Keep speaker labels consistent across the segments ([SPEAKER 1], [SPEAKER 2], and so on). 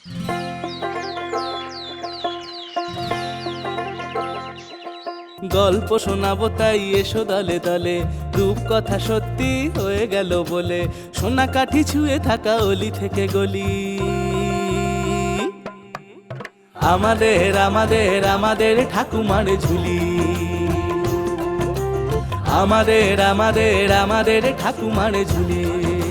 [SPEAKER 1] গল্প শোনাবো তাই এসো দলে দলে, রূপকথা সত্যি হয়ে গেল বলে, সোনা কাঠি ছুঁয়ে থাকা অলি থেকে গলি। আমাদের আমাদের আমাদের ঠাকুমার ঝুলি, আমাদের আমাদের আমাদের ঠাকুমার ঝুলি।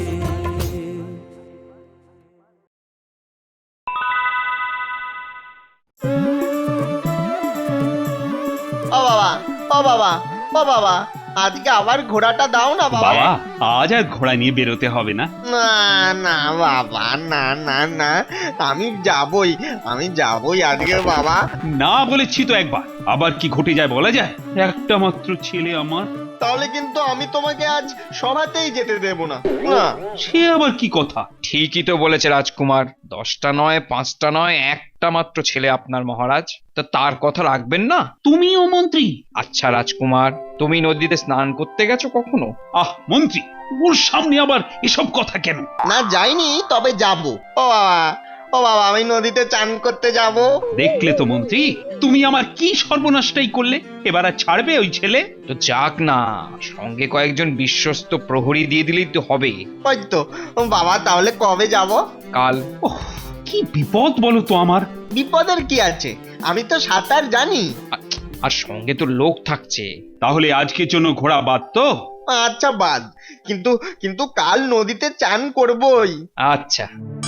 [SPEAKER 2] ও বাবা, ও বাবা, ও বাবা, আজকে আবার ঘোড়াটা দাও না বাবা।
[SPEAKER 3] বাবা, আজ আর ঘোড়া নিয়ে বেরোতে হবে না।
[SPEAKER 2] না না বাবা, না না না, আমি যাবই আজকে বাবা।
[SPEAKER 3] না বলেছি তো একবার, আবার কি ঘটে যায় বলা যায়? একটা মাত্র ছেলে আমার।
[SPEAKER 2] তাহলে কিন্তু আমি তোমাকে আজ সভাতেই যেতে দেব না। না,
[SPEAKER 3] সে আবার কি কথা?
[SPEAKER 4] ঠিকই তো বলেছে রাজকুমার, 10টা নয়, 5টা নয়, একটা মাত্র ছেলে আপনার মহারাজ, তা তার কথা রাখবেন না?
[SPEAKER 3] তুমিও মন্ত্রী?
[SPEAKER 4] আচ্ছা রাজকুমার, তুমি নদীতে স্নান করতে গেছো কখনো?
[SPEAKER 3] মন্ত্রী, ওর সামনে আবার এসব কথা কেন?
[SPEAKER 2] না যাইনি, তবে যাব। ও বাবা, ও বাবা, আমি নদীতে চান করতে যাব।
[SPEAKER 3] দেখলে তো মন্ত্রী, তুমি আমার কি সর্বনাশটাই করলে। এবার আর ছাড়বে ওই ছেলে?
[SPEAKER 4] তো যাক না, সঙ্গে কয়েকজন বিশ্বস্ত প্রহরী দিয়ে দিলেই তো হবে।
[SPEAKER 2] ওই তো বাবা, তাহলে কবে যাব?
[SPEAKER 4] কাল।
[SPEAKER 3] ওহ, কি বিপদ বলো তো আমার।
[SPEAKER 2] বিপদের কি আছে, আমি তো সাঁতার জানি।
[SPEAKER 4] আর সঙ্গে তো লোক থাকছে।
[SPEAKER 3] তাহলে আজকের জন্য ঘোড়া বাদ তো?
[SPEAKER 2] আচ্ছা বাদ, কিন্তু কিন্তু কাল নদীতে চান করবই।
[SPEAKER 4] আচ্ছা,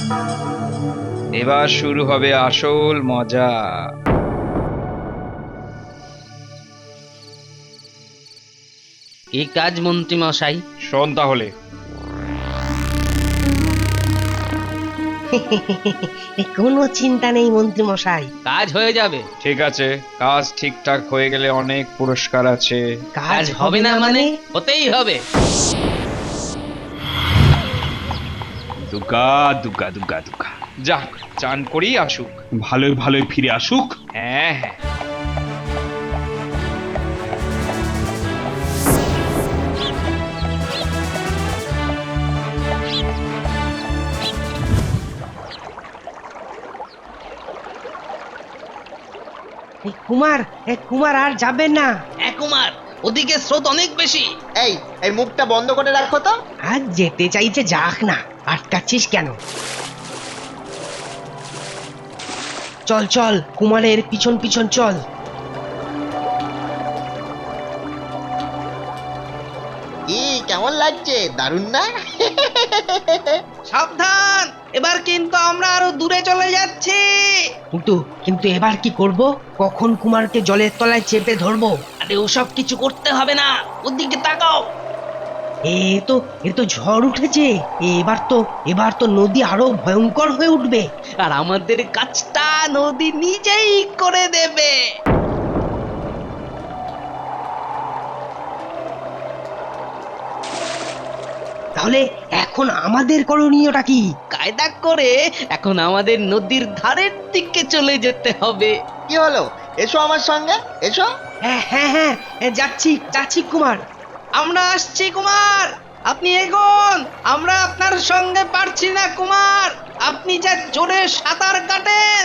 [SPEAKER 4] এবার শুরু হবে আসল মজা।
[SPEAKER 1] কি কাজ মন্ত্রী মশাই?
[SPEAKER 4] শোন তাহলে,
[SPEAKER 5] কোনো চিন্তা নেই মন্ত্রী মশাই,
[SPEAKER 1] কাজ হয়ে যাবে।
[SPEAKER 4] ঠিক আছে, কাজ ঠিকঠাক হয়ে গেলে অনেক পুরস্কার আছে।
[SPEAKER 1] কাজ হবে না মানে? হতেই হবে।
[SPEAKER 3] দুগা দুগা দুগা দুগা।
[SPEAKER 4] যাক, চান করেই আসুক।
[SPEAKER 3] ভালোই ভালোই ফিরে আসুক।
[SPEAKER 4] হ্যাঁ হ্যাঁ।
[SPEAKER 5] কুমার আর যাবেন না।
[SPEAKER 1] কুমার, ওদিকে স্রোত অনেক বেশি।
[SPEAKER 2] এই এই মুখটা বন্ধ করে রাখো তো।
[SPEAKER 5] আর যেতে চাইছে যাক না, আটকাচ্ছিস কেন? চল চল, কুমারের পিছন পিছন চল।
[SPEAKER 2] কি কেমন লাগছে? দারুণ না?
[SPEAKER 1] সাবধান, এবার কিন্তু আমরা আরো দূরে চলে যাচ্ছি।
[SPEAKER 5] কিন্তু কিন্তু এবার কি করব? কখন কুমারকে জলের তলায় চেপে ধরবো?
[SPEAKER 1] আরে ওসব কিছু করতে হবে না, ওদিকে তাকাও।
[SPEAKER 5] এ তো ঝড় উঠেছে। এবার তো নদী আরো ভয়ঙ্কর হয়ে উঠবে।
[SPEAKER 1] আর আমাদের কাজটা নদী নিজেই করে দেবে।
[SPEAKER 5] তাহলে এখন আমাদের করণীয়টা কি?
[SPEAKER 1] কায়দা করে এখন আমাদের নদীর ধারের দিকে চলে যেতে হবে।
[SPEAKER 2] কি হলো? এসো আমার সঙ্গে, এসো।
[SPEAKER 5] হ্যাঁ হ্যাঁ হ্যাঁ, যাচ্ছি যাচ্ছি কুমার।
[SPEAKER 1] আমরা আসছি কুমার, আপনি এগোন। আমরা আপনার সঙ্গে পারছি না কুমার, আপনি যা জোরে সাঁতার কাটেন।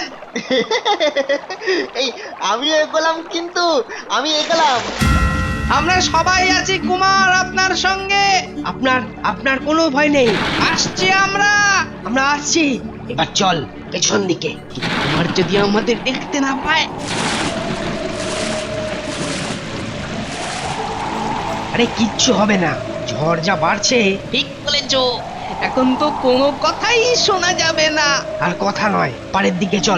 [SPEAKER 2] এই আমি এগোলাম, কিন্তু আমি এগোলাম।
[SPEAKER 1] আমরা সবাই আছি কুমার আপনার সঙ্গে।
[SPEAKER 5] আপনার আপনার কোনো ভয় নেই।
[SPEAKER 1] আসছি আমরা।
[SPEAKER 5] আমরা আসছি। এবার চল পেছন দিকে।
[SPEAKER 1] কুমার যদি আমাদের দেখতে না পায়।
[SPEAKER 5] আরে কিচ্ছু হবে না, ঝড় যা বাড়ছে।
[SPEAKER 1] ঠিক বলেছো, এখন তো কোনো কথাই শোনা যাবে না।
[SPEAKER 5] আর কথা নয়, পাড়ের দিকে চল।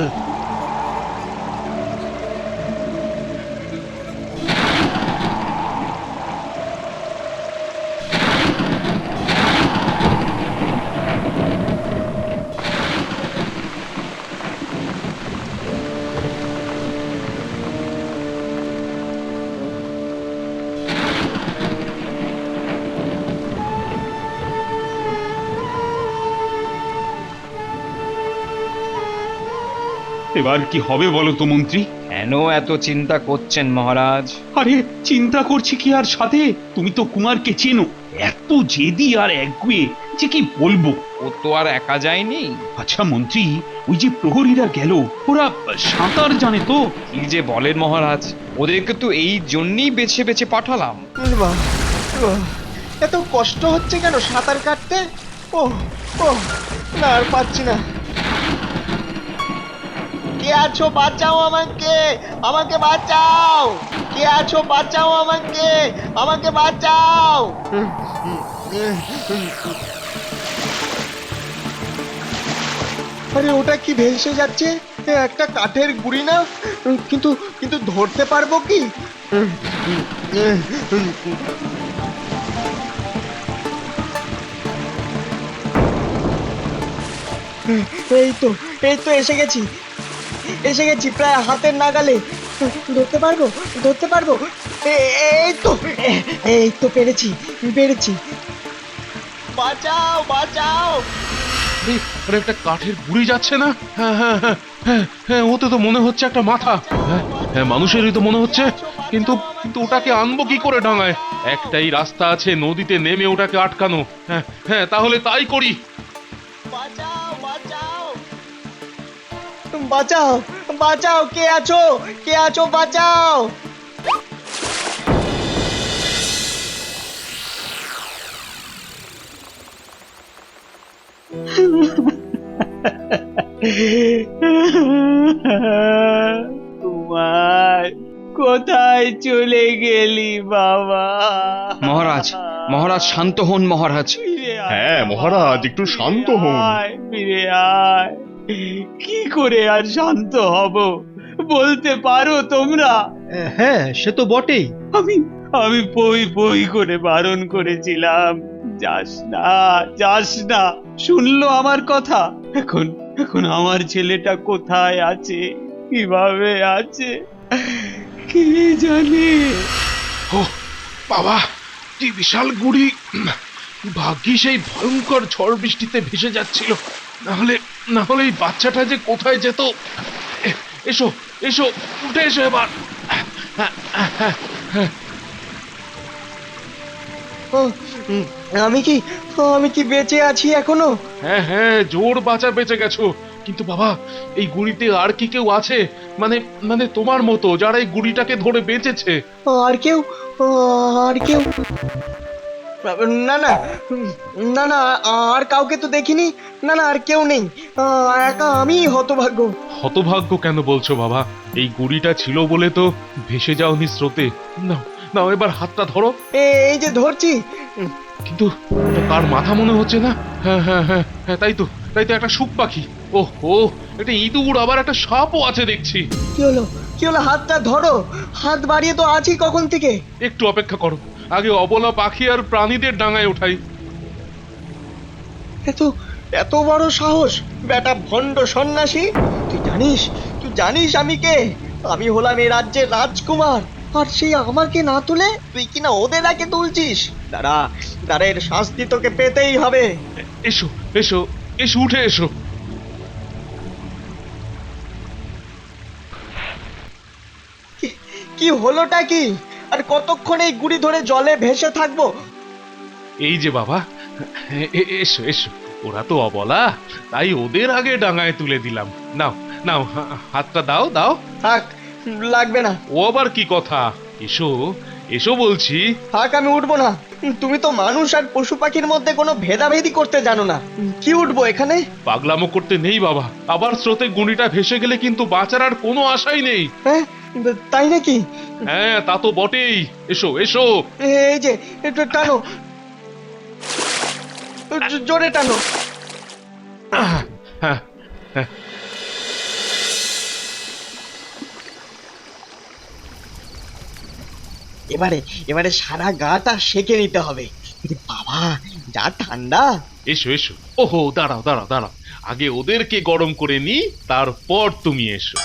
[SPEAKER 3] এবার কি হবে বলো তো মন্ত্রী?
[SPEAKER 4] কেন এত চিন্তা করছেন মহারাজ?
[SPEAKER 3] আরে চিন্তা করছি কি আর সাথে? তুমি তো কুমারকে চেনো। এত জেদি আর একগুয়ে যে কি বলবো।
[SPEAKER 4] ও তো আর একা যায়নি।
[SPEAKER 3] আচ্ছা মন্ত্রী, ওই যে প্রহরীরা গেল, ওরা সাঁতার জানে তো?
[SPEAKER 4] কি যে বলেন মহারাজ, ওদেরকে তো এই জন্যই বেছে বেছে পাঠালাম।
[SPEAKER 2] বাহ, বাহ, এত কষ্ট হচ্ছে কেন সাঁতার কাটতে? ও ও না, আর পাচ্ছি না। কে আছো, বাঁচাও আমাকে, আমাকে বাঁচাও। কে আছো, বাঁচাও আমাকে, আমাকে বাঁচাও। আরে ওটা কি ভেসে যাচ্ছে? এ একটা কাঠের গুঁড়ি না? কিন্তু কিন্তু ধরতে পারবো কি? এই তো, এই তো এসে গেছি, এসে গেছি প্রায় হাতের নাগালে। ধরতে পারবো, ধরতে পারবো। এই তো, এই তো পেরেছি, পেরেছি। বাঁচাও, বাঁচাও।
[SPEAKER 6] আরে একটা কাঠের গুঁড়ি যাচ্ছে না? হ্যাঁ হ্যাঁ হ্যাঁ হ্যাঁ হ্যাঁ, ওতে তো মনে হচ্ছে একটা মাথা। হ্যাঁ হ্যাঁ, মানুষেরই তো মনে হচ্ছে। কিন্তু কিন্তু ওটাকে আনবো কি করে ডাঙায়? একটাই রাস্তা আছে, নদীতে নেমে ওটাকে আটকানো। হ্যাঁ হ্যাঁ, তাহলে তাই করি।
[SPEAKER 2] বাঁচাও, বাঁচাও, বাঁচাও, বাঁচাও। কে আছো, কে আছো, বাঁচাও।
[SPEAKER 5] তোমার কোথায় চলে গেলি বাবা?
[SPEAKER 4] মহারাজ, মহারাজ শান্ত হন মহারাজ।
[SPEAKER 6] হ্যাঁ মহারাজ, একটু শান্ত হন।
[SPEAKER 5] ফিরে আয়। কি করে আর শান্ত হব বলতে পারো তোমরা?
[SPEAKER 7] হ্যাঁ সে তো বটেই।
[SPEAKER 5] আমি আমি পই পই করে বারণ করেছিলাম, যাস না, যাস না। শুনলো আমার কথা? এখন এখন আমার ছেলেটা কোথায় আছে, কিভাবে আছে, কে জানে।
[SPEAKER 6] ও বাবা, কি বিশাল গুঁড়ি! ভাগ্যিস এই ভয়ঙ্কর ঝড় বৃষ্টিতে ভেসে যাচ্ছিল, নাহলে নাহলে এই বাচ্চাটা যে কোথায় যেত। এসো এসো, উঠে এসো এবার।
[SPEAKER 2] ও, আমি কি, আমি কি বেঁচে আছি এখনো?
[SPEAKER 6] হ্যাঁ হ্যাঁ, জোর বাঁচা বেঁচে গেছো। কিন্তু বাবা, এই গুড়িতে আর কি কেউ আছে? মানে মানে তোমার মতো যারা এই গুড়িটাকে ধরে বেঁচেছে?
[SPEAKER 2] আর কেউ, আর কেউ? না না, না না, আর কাউকে তো দেখিনি। না না, আর কেউ নেই। একা আমি হতভাগ্য।
[SPEAKER 6] হতভাগ্য কেন বলছো বাবা? এই গুড়িটা ছিল বলে তো ভেসে যাওনি স্রোতে। নাও নাও, এবার হাতটা ধরো।
[SPEAKER 2] এই যে ধরছি।
[SPEAKER 6] কিন্তু ওটা কার মাথা মনে হচ্ছে না? হ্যাঁ হ্যাঁ হ্যাঁ হ্যাঁ, তাই তো, তাই তো, একটা শুক পাখি। ওহ ও, একটা ইঁদুর, আবার একটা সাপও আছে দেখছি।
[SPEAKER 2] কি হলো, কি হলো? হাতটা ধরো, হাত বাড়িয়ে তো আছি কখন থেকে।
[SPEAKER 6] একটু অপেক্ষা করো, আগে অবলা পাখি আর প্রাণীদের ডাঙায় ওঠাই।
[SPEAKER 2] এত এত বড় সাহস বেটা ভণ্ড সন্ন্যাসী! তুই জানিস, তুই জানিস আমি কে? আমি হলাম এই রাজ্যের রাজকুমার। আর সেই আমাকে না তুলে তুই কিনা ওদের আগে তুলছিস? দাঁড়া, দাঁড়া, এর শাস্তি তোকে পেতেই হবে।
[SPEAKER 6] এসো এসো এসো, উঠে এসো।
[SPEAKER 2] কি হলোটা কি? আর কতক্ষণ এই গুড়ি ধরে জলে ভেসে থাকবো?
[SPEAKER 6] এই যে বাবা, এসো এসো। ওরা তো অবলা, তাই ওদের আগে ডাঙায় তুলে দিলাম। নাও নাও, হাতটা দাও দাও।
[SPEAKER 2] থাক, লাগবে না।
[SPEAKER 6] ও আবার কি কথা? এসো এসো বলছি।
[SPEAKER 2] থাক, আমি উঠবো না। তুমি তো মানুষ আর পশু পাখির মধ্যে কোনো ভেদাভেদি করতে জানো না। কি উঠবো এখানে?
[SPEAKER 6] পাগলামো করতে নেই বাবা, আবার স্রোতে গুঁড়িটা ভেসে গেলে কিন্তু বাঁচার আর কোনো আশাই নেই।
[SPEAKER 2] হ্যাঁ, তাই নাকি?
[SPEAKER 6] হ্যাঁ তা তো বটেই। এসো এসো।
[SPEAKER 2] এই যে, একটু টানো, জোরে টানো।
[SPEAKER 6] হ্যাঁ হ্যাঁ,
[SPEAKER 2] এবারে এবারে সারা গাটা সেকে নিতে হবে। এরে বাবা, যা ঠান্ডা!
[SPEAKER 6] এসো এসো। ওহো, দাঁড়াও দাঁড়াও দাঁড়াও, আগে ওদেরকে গরম করে নি, তারপর তুমি এসো।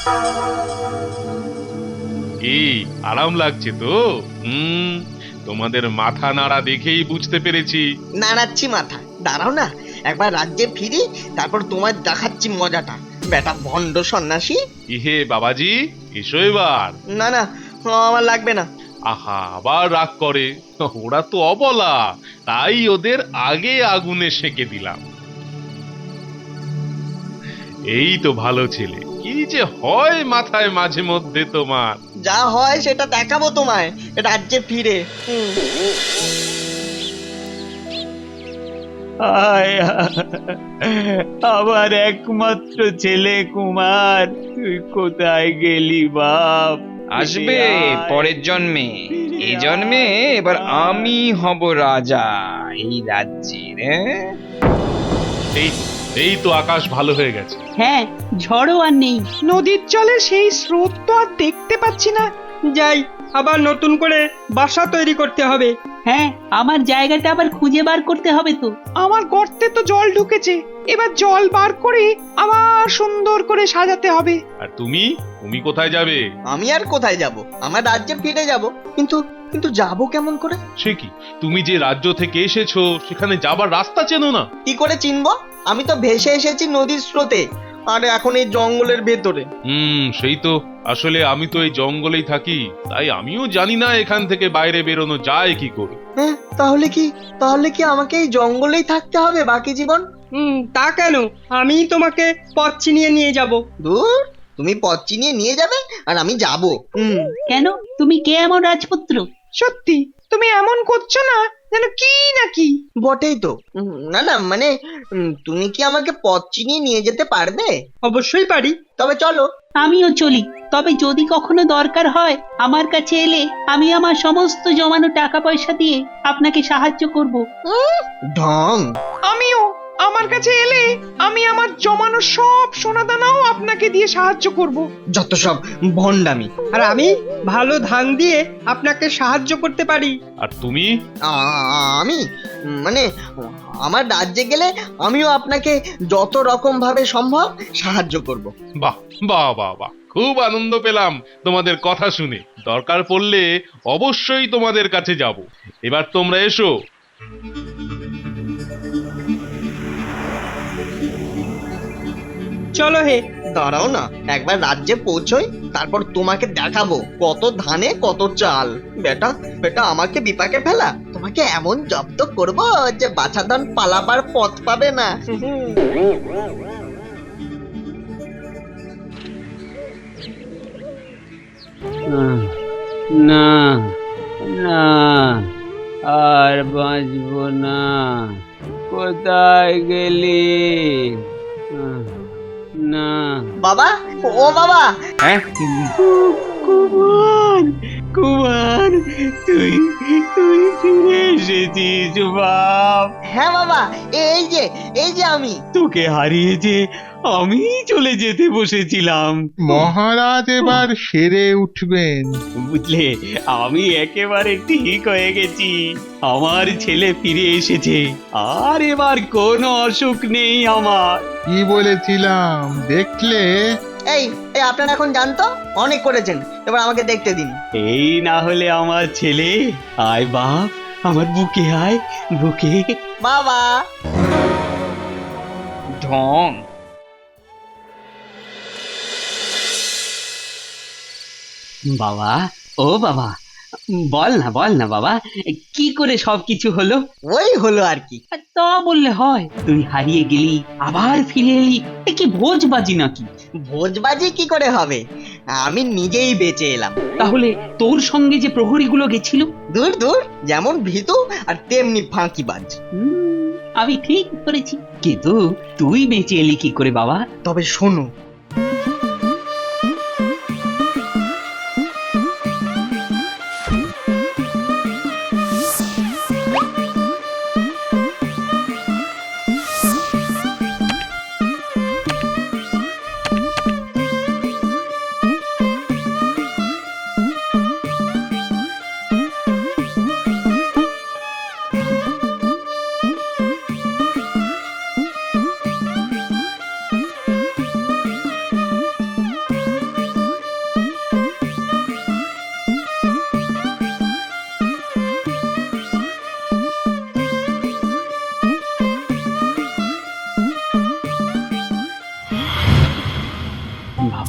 [SPEAKER 6] এই আরাম লাগছে তো? তোমাদের মাথা নাড়া দেখেই বুঝতে পেরেছি।
[SPEAKER 2] নাড়াচ্ছি মাথা, দাঁড়াও না, একবার রাজ্যে ফিরি, তারপর তোমায় দেখাচ্ছি মজাটা, বেটা ভণ্ড সন্ন্যাসী।
[SPEAKER 6] ইহে বাবাজি, এসো এবার।
[SPEAKER 2] না না, আমার লাগবে না।
[SPEAKER 6] আহা আবার রাগ করে। ওরা তো অবলা, তাই ওদের আগে আগুনে সেঁকে দিলাম। এই তো ভালো ছেলে, কি যে হয় মাথায় মাঝে মধ্যে তোমার।
[SPEAKER 2] যা হয় সেটা দেখাবো তোমায় রাজ্যে ফিরে।
[SPEAKER 5] আয় আমার একমাত্র ছেলে কুমার, তুই কোথায় গেলি বাপ?
[SPEAKER 4] আসবে
[SPEAKER 5] আয়।
[SPEAKER 4] পরের জন্মে। এই জন্মে এবার আমি হব রাজা এই রাজ্যের।
[SPEAKER 6] এই এই তো আকাশ ভালো হয়ে গেছে।
[SPEAKER 8] হ্যাঁ, ঝড়ও আর নেই।
[SPEAKER 9] নদীর জলে সেই স্রোত তো আর দেখতে পাচ্ছি না। যাই, আবার নতুন করে বাসা তৈরি করতে হবে।
[SPEAKER 8] হ্যাঁ, আমার জায়গাটা আবার খুঁজে বার করতে হবে তো।
[SPEAKER 9] আমার গর্তে তো জল ঢুকেছে, এবার জল বার করে আবার সুন্দর করে সাজাতে হবে।
[SPEAKER 6] আর তুমি তুমি কোথায় যাবে?
[SPEAKER 2] আমি আর কোথায় যাব? আমার রাজ্যে ফিরে যাব। কিন্তু কিন্তু যাব কেমন করে?
[SPEAKER 6] সে কি, তুমি যে রাজ্য থেকে এসেছো সেখানে যাবার রাস্তা চেনো না?
[SPEAKER 2] কি করে চিনবো? আমি তো ভেসে এসেছি নদীর স্রোতে, আর এখন এই জঙ্গলের ভেতরে।
[SPEAKER 6] সেই তো। আসলে আমি তো এই জঙ্গলেই থাকি, তাই আমিও জানি না এখান থেকে বাইরে বেরোনো যায় কি করে।
[SPEAKER 2] হ্যাঁ, তাহলে কি আমাকে এই জঙ্গলেই থাকতে হবে বাকি জীবন?
[SPEAKER 9] তা কেন? আমি তোমাকে পথ চিনিয়ে নিয়ে যাব।
[SPEAKER 2] দূর, তুমি পথ চিনিয়ে নিয়ে যাবে আর আমি যাব?
[SPEAKER 8] কেন, তুমি কে এমন রাজপুত্র?
[SPEAKER 9] সত্যি তুমি এমন করছো না যেন কি নাকি।
[SPEAKER 2] বটেই তো। না না, মানে তুমি কি আমাকে পথ চিনিয়ে নিয়ে যেতে পারবে?
[SPEAKER 9] অবশ্যই পারি।
[SPEAKER 2] তবে চলো।
[SPEAKER 8] আমিও চলি, তবে যদি কখনো দরকার হয় আমার কাছে এলে আমি আমার সমস্ত জমানো টাকা পয়সা দিয়ে আপনাকে সাহায্য করব।
[SPEAKER 2] ঢং।
[SPEAKER 9] আমিও, আমার কাছে এলে আমি আমার জমানো সব সোনাদানাও আপনাকে দিয়ে সাহায্য করব।
[SPEAKER 2] যত সব ভণ্ডামি।
[SPEAKER 9] আর আমি ভালো ধান দিয়ে আপনাকে সাহায্য করতে পারি।
[SPEAKER 6] আর তুমি?
[SPEAKER 2] আমি মানে আমার রাজ্যে গেলে আমিও আপনাকে যত রকম ভাবে সম্ভব সাহায্য করব।
[SPEAKER 6] বাহ বাহ বাহ বাহ, খুব আনন্দ পেলাম তোমাদের কথা শুনে। দরকার পড়লে অবশ্যই তোমাদের কাছে যাব। এবার তোমরা এসো।
[SPEAKER 9] চলো হে।
[SPEAKER 2] দাঁড়াও না, একবার রাজ্যে পৌঁছোই, তারপর তোমাকে দেখাবো কত ধানে কত চাল। বেটা বেটা, আমাকে বিপাকে ফেলা, তোমাকে এমন জব্দ করব যে বাছাধন পালাবার পথ পাবে না।
[SPEAKER 10] না না, আর বাঁচবো না। কোথায় গেলি? না।
[SPEAKER 2] বাবা, ও বাবা।
[SPEAKER 4] হ্যাঁ,
[SPEAKER 5] কুমার, কুমার, তুই তুই ফিরে এসেছিস বাপ।
[SPEAKER 2] হ্যাঁ বাবা, এই যে আমি।
[SPEAKER 5] তোকে হারিয়ে যে আমি চলে যেতে বসেছিলাম।
[SPEAKER 11] মহারাজ এবার সেরে উঠবেন।
[SPEAKER 5] বুঝলে, আমি একেবারে ঠিক হয়ে গেছি। আমার ছেলে ফিরে এসেছে, আর এবার কোনো অসুখ নেই আমার।
[SPEAKER 11] কি বলেছিলাম দেখলে?
[SPEAKER 2] এই এই আপনারা এখন জানতো অনেক করেছেন, এবার আমাকে দেখতে দিন।
[SPEAKER 5] এই না হলে আমার ছেলে। আয় বাপ, আমার বুকে আয়, বুকে।
[SPEAKER 2] বাবা।
[SPEAKER 4] ঢং।
[SPEAKER 8] বাবা, ও বাবা, বল না বাবা, কি করে সবকিছু হলো?
[SPEAKER 2] ওই হলো আর কি।
[SPEAKER 8] তা বললে হয়? তুই হারিয়ে গেলি, আবার ফিরে এলি, এ কি ভোজবাজি নাকি?
[SPEAKER 2] ভোজবাজি কি করে হবে? আমি নিজেই বেঁচে এলাম।
[SPEAKER 8] তাহলে তোর সঙ্গে যে প্রহরীগুলো গেছিল?
[SPEAKER 2] দূর দূর, যেমন ভীতু আর তেমনি ফাঁকিবাজ।
[SPEAKER 8] আমি ঠিক করেছি, কিন্তু তুই বেঁচে এলি কি করে বাবা?
[SPEAKER 2] তবে শোনো,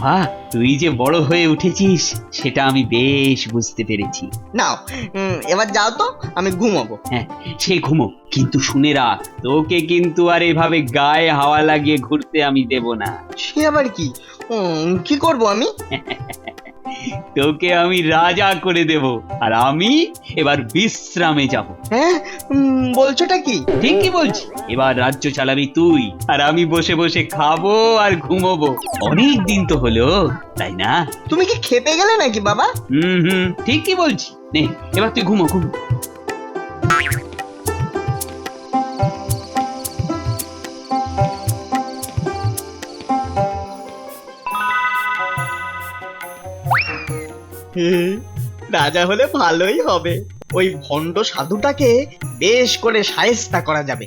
[SPEAKER 10] বাবা তুই যে বড় হয়ে উঠেছিস সেটা আমি বেশ বুঝতে পেরেছি।
[SPEAKER 2] নাও এবার যাও তো, আমি ঘুমাবো।
[SPEAKER 10] হ্যাঁ সে ঘুমো, কিন্তু শুনে রাখ তোকে কিন্তু আর এভাবে গায়ে হাওয়া লাগিয়ে ঘুরতে আমি দেব না।
[SPEAKER 2] সে আবার কি? কি করব আমি?
[SPEAKER 10] তোকে আমি রাজা করে দেব, আর আমি এবার বিশ্রামে যাব।
[SPEAKER 2] হ্যাঁ, বলছোটা কি?
[SPEAKER 10] ঠিকই বলছি, এবার রাজ্য চালাবি তুই, আর আমি বসে বসে খাবো আর ঘুমোবো। অনেক দিন তো হলো, তাই না?
[SPEAKER 2] তুমি কি খেপে গেলে নাকি বাবা?
[SPEAKER 10] হুম, ঠিকই বলছি। নে এবার তুই ঘুমো।
[SPEAKER 2] রাজা হলে ভালোই হবে, ওই ভণ্ড সাধুটাকে বেশ করে শায়েস্তা করা যাবে।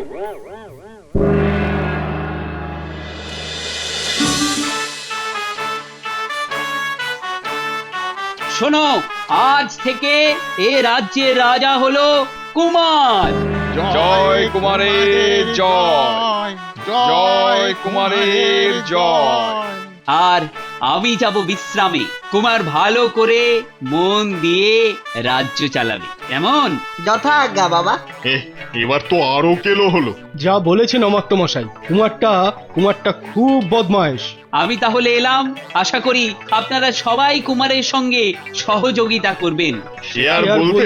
[SPEAKER 10] শোনো, আজ থেকে এ রাজ্যের রাজা হলো কুমার।
[SPEAKER 4] জয় কুমারের জয়, জয় কুমারের জয়।
[SPEAKER 10] আর আমি যাব বিশ্রামে। কুমার ভালো করে মন দিয়ে রাজ্য চালাবে, কেমন?
[SPEAKER 2] যথা আজ্ঞা বাবা।
[SPEAKER 11] এবার তো আরো কেলো হলো।
[SPEAKER 7] যা বলেছেন অমাত্যমশাই, কুমারটা খুব বদমায়েশ।
[SPEAKER 10] আমি তাহলে এলাম। আশা করি আপনারা সবাই কুমারের সঙ্গে সহযোগিতা করবেন।
[SPEAKER 11] সে আর বলতে।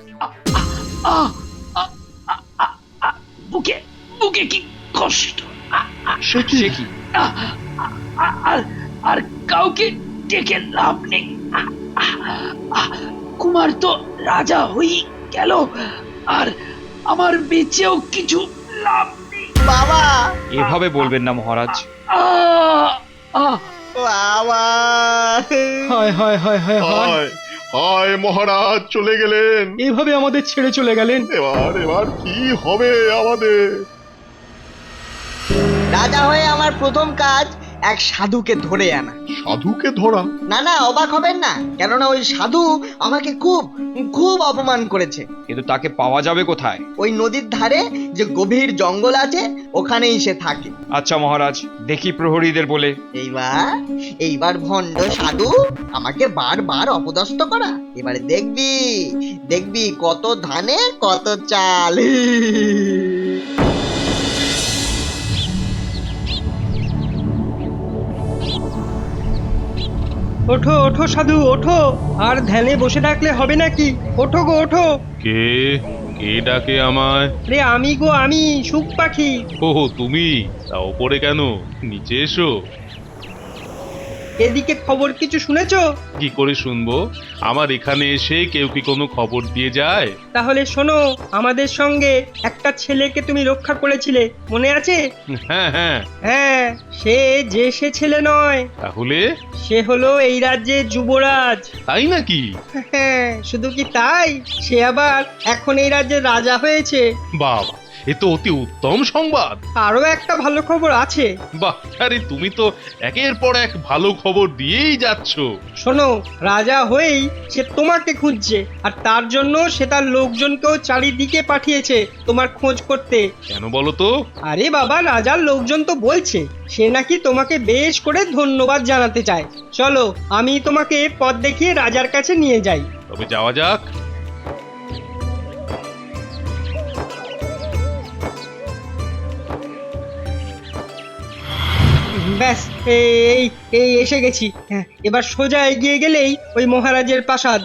[SPEAKER 10] বুকে কি কষ্ট!
[SPEAKER 11] সে কি?
[SPEAKER 10] আর কাউকে ডেকে লাভ নেই। কুমার তো রাজা হই গেল, আর আমার বেঁচেও কিছু লাভ নেই।
[SPEAKER 2] বাবা,
[SPEAKER 4] এভাবে বলবেন না মহারাজ।
[SPEAKER 2] বাবা,
[SPEAKER 7] হায় হায় হায় হায় হায়,
[SPEAKER 11] হায় মহারাজ চলে গেলেন।
[SPEAKER 7] এইভাবে আমাদের ছেড়ে চলে গেলেন।
[SPEAKER 11] এবার কি হবে আমাদের?
[SPEAKER 2] রাজা হয়ে আমার প্রথম কাজ এক সাধুকে ধরে আনা।
[SPEAKER 11] সাধুকে ধরা?
[SPEAKER 2] না, অবাক হবেন না, কেননা ওই সাধু আমাকে খুব খুব অপমান করেছে।
[SPEAKER 4] কিন্তু তাকে পাওয়া যাবে কোথায়?
[SPEAKER 2] ওই নদীর ধারে যে গভীর জঙ্গল আছে, ওখানেই সে থাকে।
[SPEAKER 4] আচ্ছা মহারাজ, দেখি প্রহরীদের বলে।
[SPEAKER 2] এইবার ভণ্ড সাধু আমাকে বারবার অপদস্থ করা। এবারে দেখবি কত ধানে কত চাল।
[SPEAKER 9] ওঠো ওঠো সাধু ওঠো, আর ধ্যানে বসে থাকলে হবে নাকি? ওঠো গো ওঠো।
[SPEAKER 6] কে কে ডাকে আমায়?
[SPEAKER 9] রে আমি গো, আমি সুখ পাখি।
[SPEAKER 6] ও তুমি, তা ওপরে কেন? নিচে এসো।
[SPEAKER 9] এদিকে খবর কিছু শুনেছো?
[SPEAKER 6] কি করে শুনবো? আমার এখানে এসে কেউ কি কোনো খবর দিয়ে যায়?
[SPEAKER 9] তাহলে শোনো, আমাদের সঙ্গে একটা ছেলেকে তুমি রক্ষা করেছিলে, মনে আছে?
[SPEAKER 6] হ্যাঁ,
[SPEAKER 9] হ্যাঁ, সে ছেলে নয়,
[SPEAKER 6] তাহলে?
[SPEAKER 9] সে হলো এই রাজ্যের যুবরাজ।
[SPEAKER 6] তাই নাকি?
[SPEAKER 9] হ্যাঁ, শুধু কি তাই, সে আবার এখন এই রাজ্যের রাজা হয়েছে।
[SPEAKER 6] বাবা, এ তো অতি উত্তম সংবাদ।
[SPEAKER 9] আরো একটা ভালো খবর আছে।
[SPEAKER 6] বাহ, আরে তুমি তো একের পর এক ভালো খবর দিয়েই যাচ্ছ।
[SPEAKER 9] শোনো, রাজা হয়েই সে তোমাকে খুঁজছে, আর তার জন্য সে তার লোকজনকেও চারিদিকে পাঠিয়েছে তোমার খোঁজ করতে।
[SPEAKER 6] কেন বলো তো?
[SPEAKER 9] আরে বাবা, রাজার লোকজন তো বলছে সে নাকি তোমাকে বেশ করে ধন্যবাদ জানাতে চায়। চলো, আমি তোমাকে পথ দেখিয়ে রাজার কাছে নিয়ে যাই।
[SPEAKER 6] তবে যাওয়া যাক।
[SPEAKER 9] ব্যাস, এই এসে গেছি। হ্যাঁ, এবার সোজা এগিয়ে গেলেই ওই মহারাজের প্রাসাদ।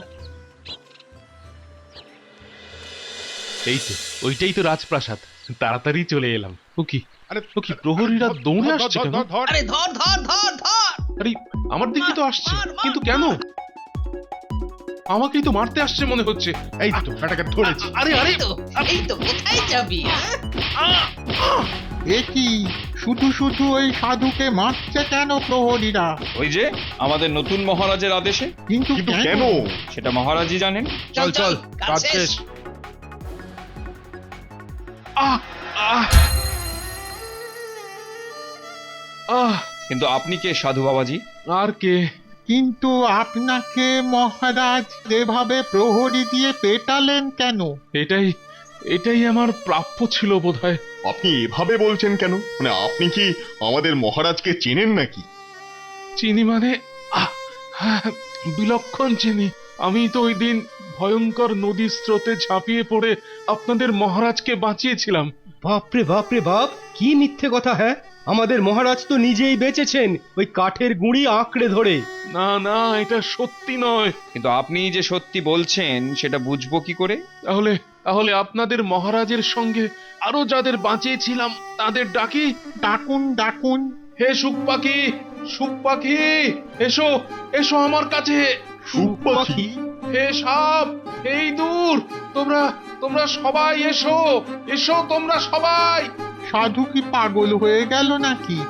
[SPEAKER 6] এই তো, ওইটাই তো রাজপ্রাসাদ। তাড়াতাড়ি চলে এলাম। ও কি প্রহরীরা দৌড়ে আসছে কেন?
[SPEAKER 1] আরে ধর ধর ধর ধর!
[SPEAKER 6] আরে আমার দিকে তো আসছে, কিন্তু কেন? আমাকেই তো মারতে আসছে মনে হচ্ছে।
[SPEAKER 11] এই তো বেটাকে ধরেছি।
[SPEAKER 6] আরে
[SPEAKER 1] এই তো কোথায় যাবি?
[SPEAKER 11] এ কি, শুধু শুধু ওই সাধুকে মারছে কেন প্রহরীরা?
[SPEAKER 4] ওই যে আমাদের নতুন মহারাজের আদেশে।
[SPEAKER 11] কিন্তু কেন?
[SPEAKER 4] সেটা মহারাজই জানেন।
[SPEAKER 1] চল কাজ শেষ।
[SPEAKER 6] আহ আহ আহ
[SPEAKER 4] কিন্তু আপনি কে সাধু বাবাজি?
[SPEAKER 6] আর কে?
[SPEAKER 11] কিন্তু আপনাকে মহারাজ যেভাবে প্রহরী দিয়ে পেটালেন কেন?
[SPEAKER 6] এটাই আমার প্রাপ্য ছিল বোধহয়।
[SPEAKER 12] আপনি এভাবে বলছেন কেন? মানে আপনি কি আমাদের মহারাজকে চেনেন নাকি?
[SPEAKER 6] চিনি মানে আহ, হ্যাঁ, বিলক্ষণ চিনি। আমি তো ওই দিন ভয়ঙ্কর নদীর স্রোতে ঝাঁপিয়ে পড়ে আপনাদের মহারাজকে বাঁচিয়েছিলাম।
[SPEAKER 7] বাপরে বাপরে বাপ, কি মিথ্যে কথা! হ্যাঁ, আমাদের মহারাজ তো নিজেই বেঁচেছেন ওই কাঠের গুঁড়ি আঁকড়ে ধরে।
[SPEAKER 6] না না, এটা সত্যি নয়।
[SPEAKER 4] কিন্তু আপনি যে সত্যি বলছেন সেটা বুঝবো কি করে?
[SPEAKER 6] তাহলে তাহলে আপনাদের মহারাজের সঙ্গে আরো যাদের বাঁচিয়েছিলাম তাদের ডাকি।
[SPEAKER 11] ডাকুন ডাকুন।
[SPEAKER 6] হে সুখ পাখি, সুখ পাখি, এসো এসো আমার কাছে।
[SPEAKER 7] সুখ পাখি?
[SPEAKER 6] হে সাপ, এই দূর, তোমরা তোমরা সবাই এসো, এসো তোমরা সবাই।
[SPEAKER 11] সাধু কি পাগল হয়ে গেল নাকি?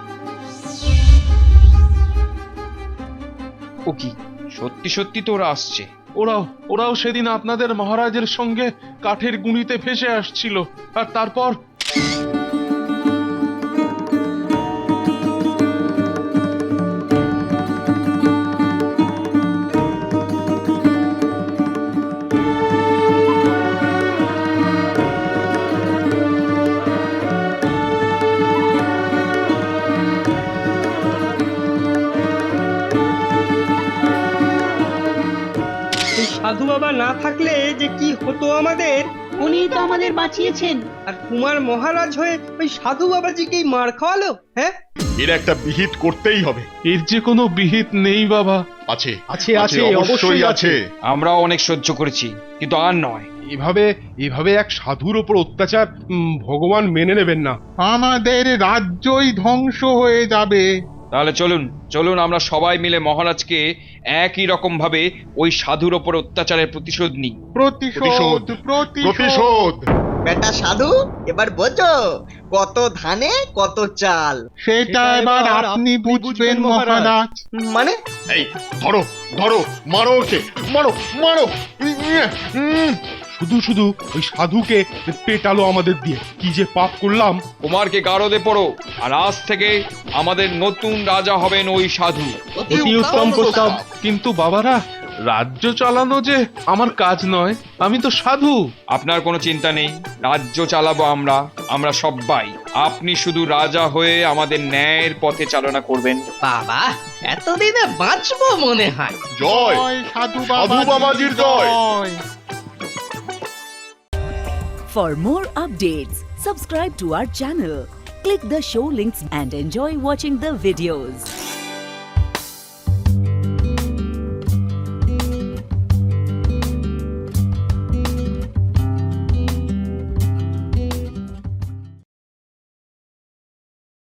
[SPEAKER 4] ও কি সত্যি সত্যি তো ওরা আসছে?
[SPEAKER 6] ওরাও সেদিন আপনাদের মহারাজের সঙ্গে কাঠের গুঁড়িতে ভেসে আসছিল, আর তারপর
[SPEAKER 9] এই সাধু বাবা না থাকলে যে কি হতো আমাদের।
[SPEAKER 8] উনি তো আমাদের বাঁচিয়েছেন।
[SPEAKER 9] আর কুমার মহারাজ হয়ে ওই সাধু বাবাজিকেই মার খাওয়ালো। হ্যাঁ,
[SPEAKER 12] এর একটা বিহিত করতেই হবে।
[SPEAKER 6] এর যে কোনো বিহিত নেই বাবা।
[SPEAKER 12] আছে
[SPEAKER 7] আছে আছে, অবশ্যই আছে।
[SPEAKER 4] আমরাও অনেক সহ্য করেছি, কিন্তু আর নয়।
[SPEAKER 7] এভাবে এক সাধুর ওপর অত্যাচার ভগবান মেনে নেবেন না।
[SPEAKER 11] আমাদের রাজ্যই ধ্বংস হয়ে যাবে।
[SPEAKER 4] তাহলে চলুন চলুন আমরা সবাই মিলে মহারাজকে একই রকম ভাবে ওই সাধুর ওপর অত্যাচারের প্রতিশোধ নিই।
[SPEAKER 11] প্রতিশোধ
[SPEAKER 12] প্রতিশোধ।
[SPEAKER 2] বেটা সাধু, এবার বোঝো কত ধানে কত চাল।
[SPEAKER 11] সেটা এবার আপনি বুঝবেন মহারাজ।
[SPEAKER 2] মানে
[SPEAKER 12] এই ধরো ধরো, মারো ওকে, মারো মারো।
[SPEAKER 7] শুধু শুধু ওই সাধুকে পেটালো আমাদের দিয়ে, কি যে পাপ করলাম।
[SPEAKER 4] কুমারকে গারদে পড়ো, আর আজ থেকে আমাদের নতুন রাজা হবেন ওই সাধু।
[SPEAKER 7] অতি উত্তম প্রস্তাব।
[SPEAKER 6] কিন্তু বাবারা, রাজ্য চালানো যে আমার কাজ নয়, আমি তো সাধু।
[SPEAKER 4] আপনার কোনো চিন্তা নেই, রাজ্য চালাবো আমরা, আমরা সবাই। আপনি শুধু রাজা হয়ে আমাদের ন্যায়ের পথে চালনা করবেন।
[SPEAKER 9] বাবা, এতদিনে বাঁচবো মনে হয়।
[SPEAKER 12] জয়
[SPEAKER 11] সাধু
[SPEAKER 12] বাবাজির জয়।
[SPEAKER 13] For more updates, subscribe to our channel, click the show links and enjoy watching the videos.